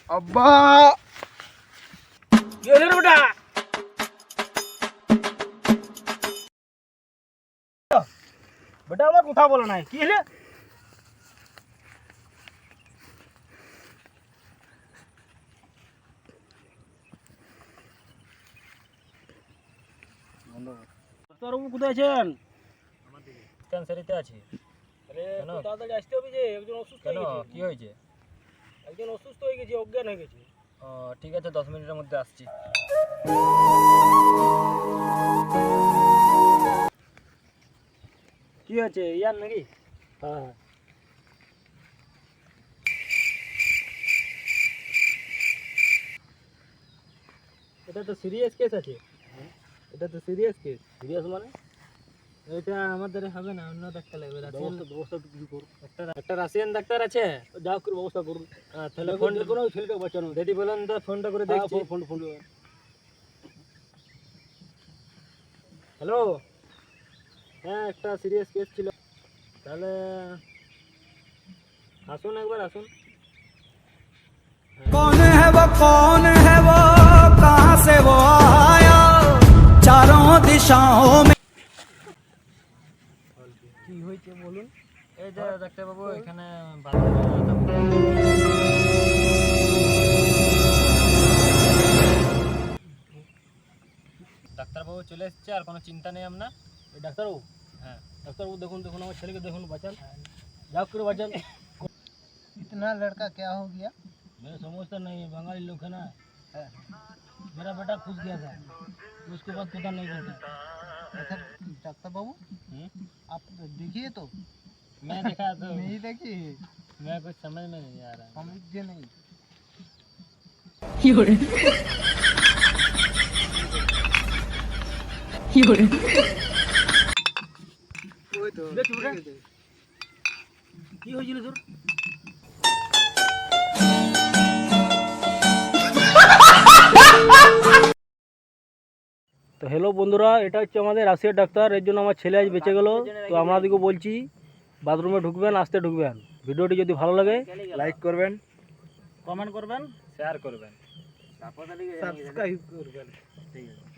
আব্বা কি হলো রে বেটা? বেটা আমার কথা বলে নাই, কি হলো? ডাক্তারবাবু কোথায় আছেন? ক্যান্সারিতে আছি। আরে কেন? একটু তাড়াতাড়ি আসতে হবে যে, একজন অসুস্থ কেন, হয়ে গেছে। কি হয়েছে? একজন অসুস্থ হয়ে গেছে, অজ্ঞান হয়ে গেছে। ও, ঠিক আছে, 10 মিনিটের মধ্যে আসছি। কি হয়েছে, ইয়ার নাকি? হ্যাঁ। এটা তো সিরিয়াস কেস আছে। এটা তো সিরিয়াস কেস। সিরিয়াস মানে? এটা আমাদের হবে না, অন্য ডাক্তার লাগবে। ব্যবস্থা কিছু করুন। একটা রাশিয়ান ডাক্তার আছে, যা করে ব্যবস্থা করুন। তাহলে ফোন কোনো ছেলেটা বাঁচানো। যদি বলেন তো ফোনটা করে দেখছি। ফোন হ্যালো, হ্যাঁ একটা সিরিয়াস কেস ছিল, তাহলে আসুন একবার আসুন। कौन है वो कहाँ से वो आया चारों दिशाओं में কি হয়েছে বলুন। এই যে ডাক্তারবাবু, এখানে ডাক্তারবাবু চলে এসছে, আর কোনো চিন্তা নেই আপনার। এই ডাক্তারবাবু, হ্যাঁ, ডাক্তারবাবু দেখুন দেখুন আমার ছেলেকে দেখুন, বাঁচান, যা করে বাঁচান। इतना लड़का क्या हो गया? मेरा समझता नहीं है, बंगाली लोग है ना। मेरा बेटा खुश गया था, उसके बाद पता नहीं चलता। अच्छा डॉक्टर बाबू आप देखिए तो। मैं देखा तो नहीं देखिए, मैं कुछ समझ में नहीं आ रहा। समझिए नहीं। ওই তো দেখ বেটা, কি হয়েছিল তোর? তো হ্যালো বন্ধুরা, এটা হচ্ছে আমাদের রাশিয়ার ডাক্তার, এর জন্য আমার ছেলে আজ বেঁচে গেল। তো আপনাদেরকে বলছি, বাথরুমে ঢুকবেন, আসতে ঢুকবেন। ভিডিওটি যদি ভালো লাগে লাইক করবেন, কমেন্ট করবেন, শেয়ার করবেন। সাবস্ক্রাইব করবেন। ঠিক আছে।